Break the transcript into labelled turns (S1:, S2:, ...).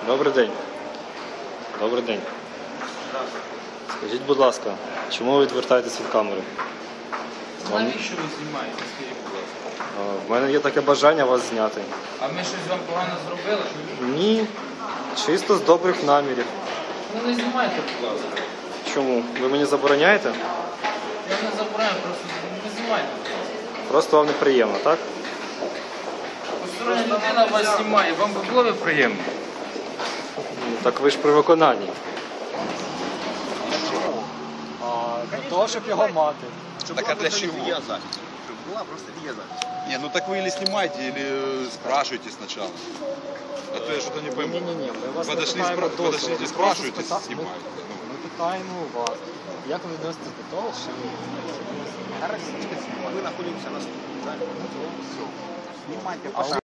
S1: Добрий день. Добрий день. Скажіть, будь ласка, чому ви відвертаєтесь від камери?
S2: Навіщо ви знімаєте, скажіть, будь ласка?
S1: В мене є таке бажання вас зняти.
S2: А ми щось вам погано зробили?
S1: Ні, чисто з добрих намірів.
S2: Ну не знімайте, будь ласка.
S1: Чому? Ви мені забороняєте?
S2: Я не забираю, просто не знімайте, будь ласка.
S1: Просто вам неприємно, так?
S2: Постороння людина вас знімає, вам би було б приємно?
S1: Так ви ж при виконанні.
S3: Для того, щоб його мати.
S4: Так а для чего?
S5: Была просто видеозапись.
S4: Не, ну так вы или снимаете, или спрашиваете сначала. А то я что-то не пойму.
S3: Ні-ні-ні, ми вас не
S4: Подошли,
S3: питаємо дозволу.
S4: подошли,
S3: Ми
S4: спрашиваете,
S3: просто
S4: снимаете.
S3: Ми питаємо у вас, як ви відноситесь до того, що
S5: Мы находимся на студии, правильно? Снимайте,
S3: а